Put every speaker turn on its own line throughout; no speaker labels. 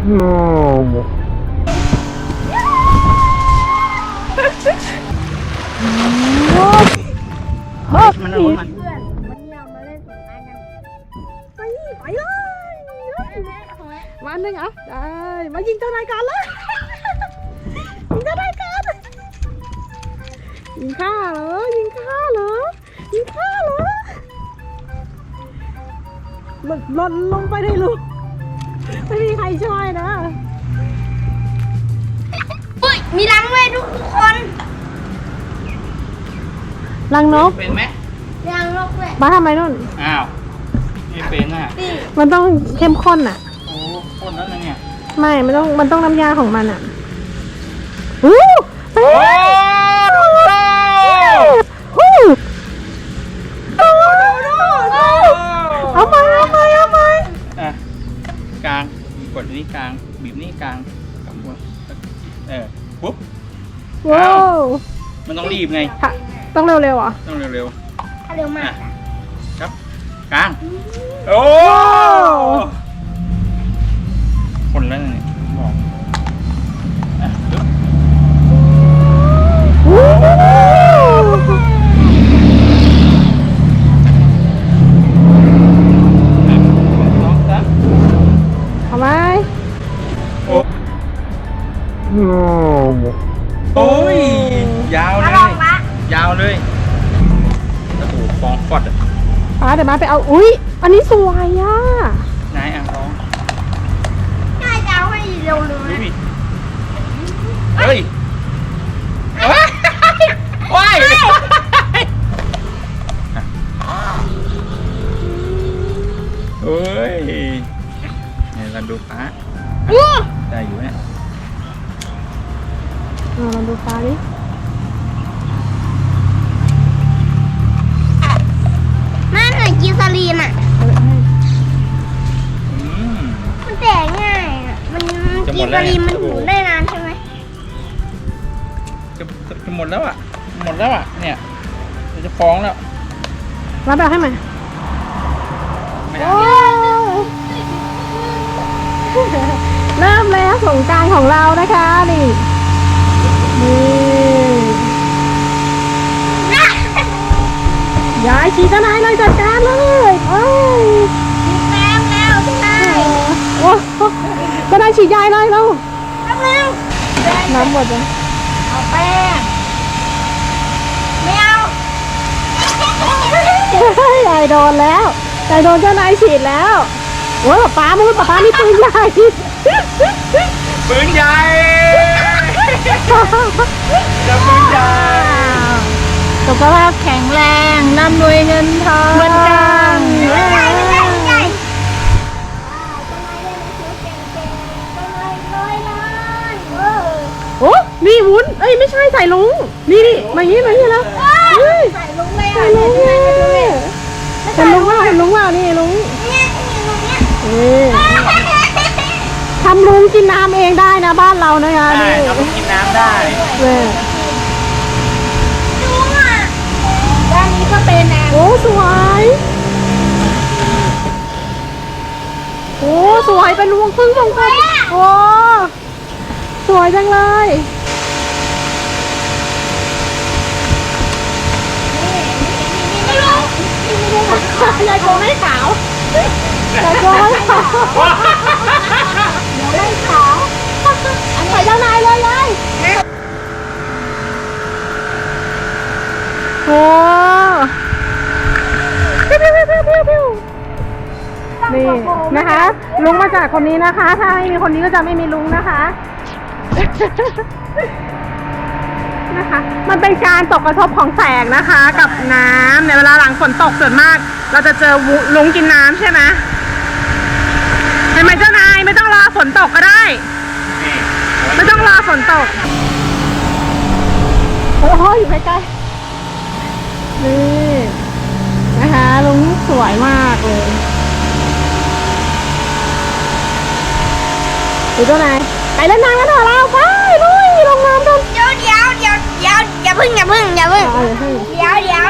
มันเอามัน
เพื่อนวันนี้เรามาเล่นสงกรานต์กันไปเลยวันหนึ่งอ่ะได้มายิงเจ้านายกันเลยยิงเจ้านายกันยิงข้าเหรอยิงข้าเหรอยิงข้าเหรอหล่นลงไปในรูไม่มีใครช่วยนะ
อุ้ยมีรังด้วยทุกคน
รังนก
เป็นไหม
รังนกด้วย
มาทำไมนู่น
อ้าวไม่เป็นอ่ะ
มันต้องเข้มข้นอ่ะ
โอ้ข้นแล้วนะเนี่ย
ไม่มันต้องน้ำยาของมันอ่ะอู้เฮ้เอามา
อ่ะกลางกดนี้กลางบีบนี่กลางกับหัวปุ๊บ
ว้าว
มันต้องรีบไง
ต้องเร็วๆอ่ะ
ต้องเร็ว
ถ้าเร็วมาก
ครับกลางโอ้คนแล้วเนี่ยบอก
ทำไม
โอ้ยยาวเลยยาวเลยกระดูกฟองฟอดอ่ะ
ป้าเดี๋ยวมาไปเอาอุ้ยอันนี้สวยอ่ะ
นายอ่างทอง
ง่ายจะเอาให้เร็วเลย
เฮ้ยว้ายเฮ้ยเนี่ยเราดูฟ้าได้อยู่เนี่ย
เราดูฟ้าดิ
แม่เหนื่อยกินซาลีนอ่ะมันแตกง่ายอ่ะมันกินซาลีนมันหมุนได้นานใช่ไหม
จะหมดแล้วอ่ะหมดแล้วอ่ะเนี่ยจะฟ้องแล้ว
รับแบบให้ไหมโอ้เริ่มแล้วสงกรานต์ของเรานะคะนี่ย้ายฉีดทนายเลยจัดการเลยเอ้ย
ฉีดแป้งแล้วทนาย
โอ้ทนายฉีดยายเลยเรา
แป้งแล้ว
น้ำหมดเลย
เอาแป้งไม่เอา
ยายโดนแล้วยายโดนเจ้านายฉีดแล้วโอ้ยป้ามีปืนใหญ่
ปืนใหญ่จะปืนใหญ่
สุขภาพแข็งแรงร่ำรวยเงินทองเหมือนกันโอ้นี่วุ้นเอ้ยไม่ใช่ใส่ลุงนี่มาอย่างนี้แล้ว
ใส่ลุงเลย
ใส่ลุงว่านี่ลุงทำลุงกินน้ำเองได้นะบ้านเรานะคะ
นี่ทำกินน้ำได้
ลุงอ่ะด้านนี้ก็เป็นนะ
โอ้สวยโอ้สวยเป็นลุงพึ่งของคนโอ้สวยจังเลยยายโกไม่ขาวแต่โกไม่ขาวเดี๋ยวไม่ขาวใส่เจ้านายเลยยายโอ้นี่นะคะลุงมาจากคนนี้นะคะถ้าไม่มีคนนี้ก็จะไม่มีลุงนะคะมันเป็นการตกกระทบของแสงนะคะกับน้ำในเวลาหลังฝนตกส่วนมากเราจะเจอลุงกินน้ำใช่ไหมเห็นไหมเจ้านายไม่ต้องรอฝนตกก็ได้ไม่ต้องรอฝนตกโอ้โหอยู่ใกล้ๆนี่นะคะลุงสวยมากเลยดูตัวไหนไปเล่นน้ำกันเถอะเราไปลุยลงน้ำกัน
อย่าพึ่งอย่าพึ่งอย่าพึ่ง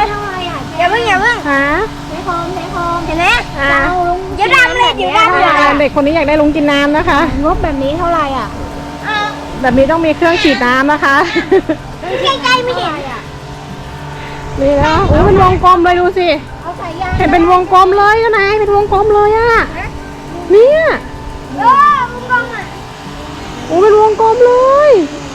ฮะเทโคมเห็นไหมเดี๋ยวดำเลย
เด็กคนนี้อยากได้ลุงกินน้ำนะคะ
งบแบบนี้เท่าไหร่อ่ะ
แบบนี้ต้องมีเครื่องฉีดน้ำนะคะ
ใกล้ๆไม่เห็น
นี่นะโอ้เป็นวงกลมเลยดูสิ
เอาใส่ยาง
เห็นเป็นวงกลมเลยนะนายเป็นวงกลมเลยอะเนี่ย
มึงลองอ่ะ
โอ้เป็นวงกลมเลย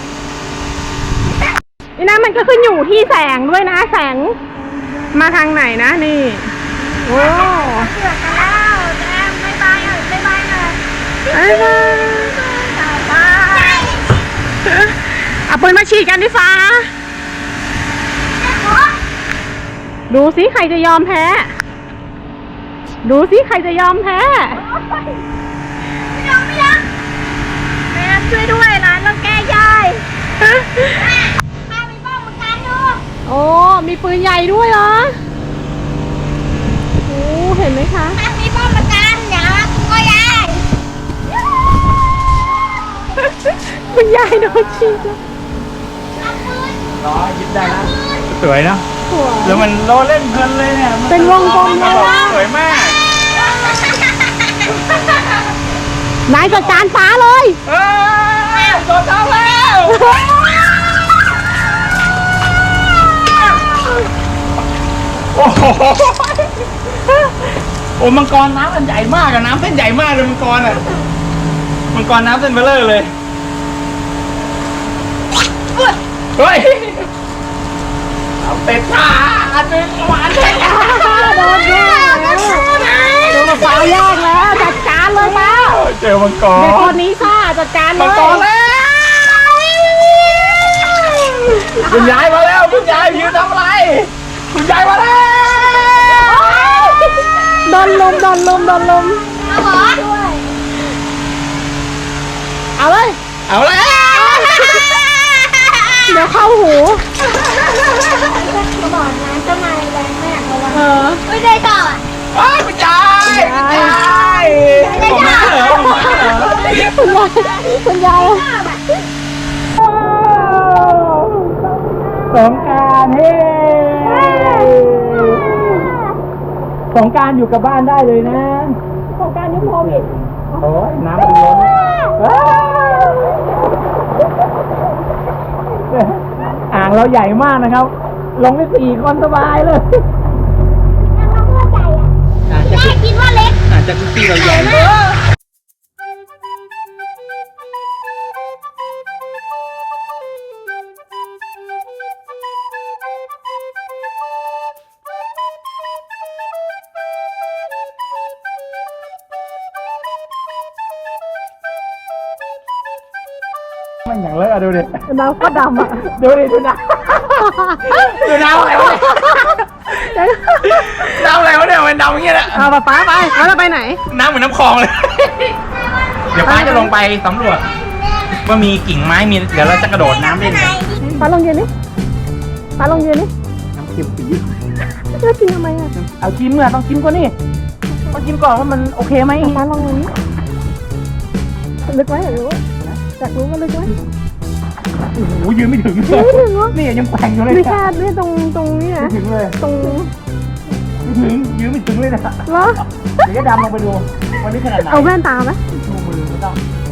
นี่นะมันก็ขึ้นอยู่ที่แสงด้วยนะแสงมาทางไหนนะนี่โอ้
เสือกกันแล้วแจมไม่บายหน่อยไม่บายหน่อย
ไอ้บ้าเอาปืนมาฉีดกันดิฟ้าดูสิใครจะยอมแพ้ดูสิใครจะยอมแพ้
ไม่ยอมแม่ช่วยด้วยร้านเราแก้ยายป้ามีป้องเหมือนกันดู
โอ้มีปืนใหญ่ด้วยเหรอโอ้เห็นไหมคะ
ป้ามีป้องเหมือนกันอย่าก็ยาย
คุณยายโดนฉีด
ล้อยึดได้แล้วสวยนะ
สวย
แล้วมันโลเล่นเพลินเลยเนี่ย
เป็นวงกลมเลย
สวยมาก
นายจัดการฟ้าเลย
โดนเอาแล้วโอ้โหโอ้มังกรน้ำมันใหญ่มากอะน้ำเส้นใหญ่มากเลยมังกรอะมังกรน้ำเส้นเบลเลอร์เลยเฮ้ยเอาเป็ดขาอันนึงหวานเลย
โดนแย่แล้วโดนฟ้ายากแล้วจัดการเลยป้า
เจอมังกร
เด็กคนนี้ค่ะจัดการเลย
มังกรแล้วคุณยายมาแล้วคุณยายยืนทำอะไรคุณยายมาแล้ว
โดนลุมโดนลุมโดนลุม
เอาเหรอด้วย
เอาเลย
เอาแล้ว
เดี๋ยวเข้าหู
ก็บอกนะเจ้านายแรงมากระวัง
เออ
ไม่ได้ต่อ
เฮ้ยคุณยายคุณยายผมมาเหรอผมมาเหรอ
คุณยายสงกรานต์เฮ้สงกรานต์อยู่กับบ้านได้เลยนะสงกรานต์ยุคโควิดโอ้ยน้ำมันล้นอ่างเราใหญ่มากนะครับ ลงได้4 คนสบายเลย
แม่คิดว่าเล็ก
อาจจะคุกกี้เราใหญ่ มันอย่างเลอะดูดิ
น้ำก็ดำอ่ะ
ดูดิดูน้ำดูน้ำอะไรวะน้ำอะไรวะเนี่ยมันดำอย่างเงี้ยแหละ
เอาป้าไปแล้วเราไปไหน
น้ำเหมือนน้ำคลองเลย เดี๋ยวป้าจะลงไปสำรวจว่ามีกิ่งไม้มีเดี๋ยวเราจะกระโดดน้ำเล่นกัน
ป้าลงยืนนี่ป้าลงยืนนี่
น้ำเค็มปี๊ด
แล้วกินทำไมอ่ะ
เอาชิมอ่ะต้องชิมก่อนนี่ต้องชิมก่อนว่ามันโอเคไหม
ป้าลงยืนนี่ลึกไว้อยากรู้อยากรู้ว่าลึกไว้
โอ้โหยืนไม่ถึง
ไม่ถึงวะ
นี่ยังแกว่งอยู่เลย
ไม่แค่นี่ตรงนี้
ไม่
นะ
ถึงเลย
ตรง
ไม่ถึงยืนไม่ถึงเลยนะ
เหรอ
เดี๋ยวจะดำลงไปดูวันนี้ขนาดไหน
เอาแว่นตาไหม
ชูมือไม่ต้อง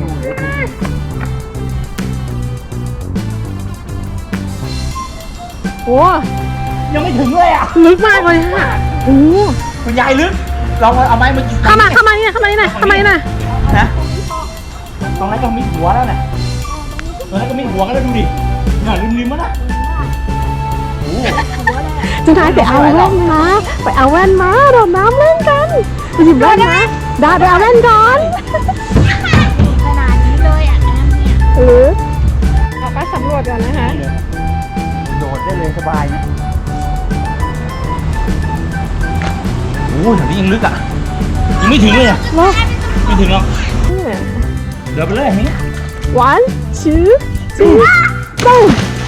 โอ้
ยังไม่ถึงเลยอ่ะ
ลึกมากเลยค่ะโอ้
คุณยายลึกลองเอาไม้มากิน
เข้ามานี่เข้ามานี่นะ
นะตรงนั้นก็มีหัวแล้วน่ะตรงนั้นก็มีหัวกันแล้วดูดิน่ะริมๆมันน่ะโอ้
จุนท้ายไปเอาแว่นมาไปเอาแว่นมาโดดน้ำเล่นกันไปหยิบแว่นมาได้ไปเอาแว่นก่อน
ขนาดนี้เลยอ่ะน้ำเนี่ย
หรือเราก็สำรวจก่อนนะคะ
โดดได้เลยสบายนะโอ้แถวนี้ยังลึกอ่ะยังไม่ถึงเลยอ่ะ
เนาะ
ไม่ถึงหรอกเดี๋ยวไปเลยนี่
1 2 3 boom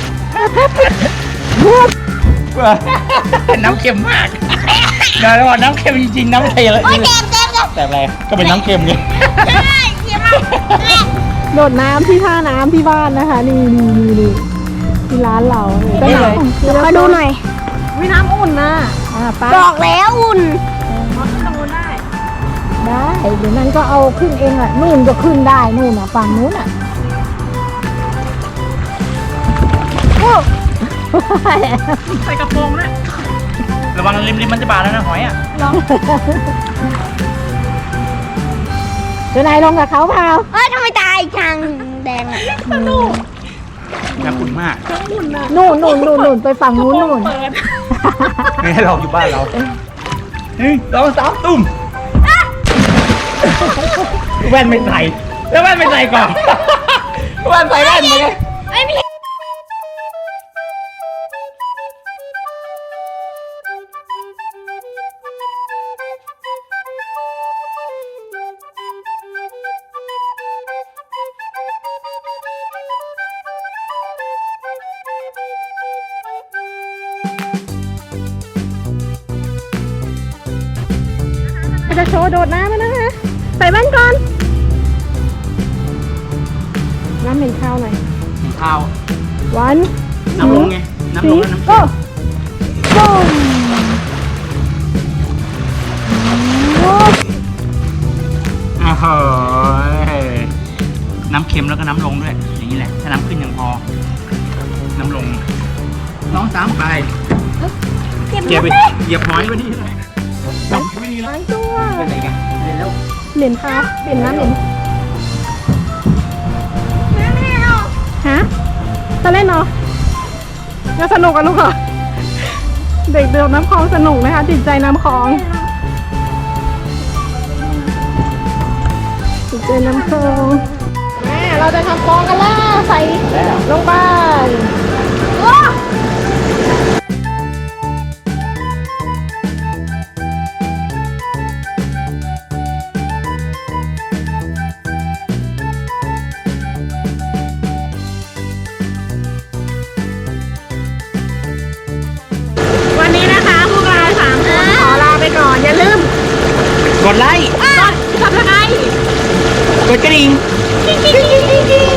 น้ำเค็มมากเดี๋ยวเราน้ำเค็มจริงๆน้ำเทเลย
โอ้ยเต็มเต็ม
แต่อะไรก็เป็นน้ำเค็มไง
ใช่เทียมมาก
โดดน้ำที่ท่าน้ำที่บ้านนะคะนี่ที่ร้านเราได้ไหน
มาดูหน่อย
วิน้ำอุ่นนะป้า
บอกแล้วอุ่น
ได้เดี๋ยวนั้นก็เอาขึ้นเองอ่ะนู่นก็ขึ้นได้นู่นอ่ะฝั่งนู้นอ่ะโอ้
ใส่กระโปรงนะระวังริมมันจะบาดแล้วนะหอยอ่ะ
ลองเดี๋ยวนายลงกับเขาเปล่า
เอ้ยทำไมตายจังแดงอ่ะ
น้ำขุ่นมาก
นู่นไปฝั่งนู้นนู่น
ไม่ให้เราอยู่บ้านเรา1 2 3ตุ้มแว่นไม่ใส่แล้วแว่นไม่ใส่ก่อนแว่นใส่แว่นมาไง
ไม่มี
จะโชว์โดดน้ำแล้วนะคะใส่แว่นก่อนน้ำเหม็นข้าวหน่อย
ข้าว
วัน
น้ำลงไงน้ำลงแล้วน้ำ
ก็
เค็ม
ปุ้มโอ้
อ้าวน้ำเค็มแล้วก็น้ำลงด้วยอย่างนี้แหละถ้าน้ำขึ้นยังพอน้ำลง2 3ไป
เจ็บ
เก็บไป
ไหม
เหยียบหอยไปนี่เลยไม่ดีแล้ว
หายตัว
ไปไหนกันไปแล้ว
เหม็นค่ะเหม็นน้ำเหม็น
ไม่เอา
ฮะจะเล่นเนาะจะสนุกกันลูกเหรอเด็กเดินน้ำคลองสนุกนะคะติดใจน้ำคลองติดใจน้ำคลองแม่เราจะทำฟองกันแล้วใส่ลงไป
โอ้
วันนี้นะคะพวกเรา3 คนขอลาไปก่อนอย่าลืม
กดไลค์
กด subscribe
กดกระดิ่ง
กิ๊งกิ๊งกิ๊งกิ๊ง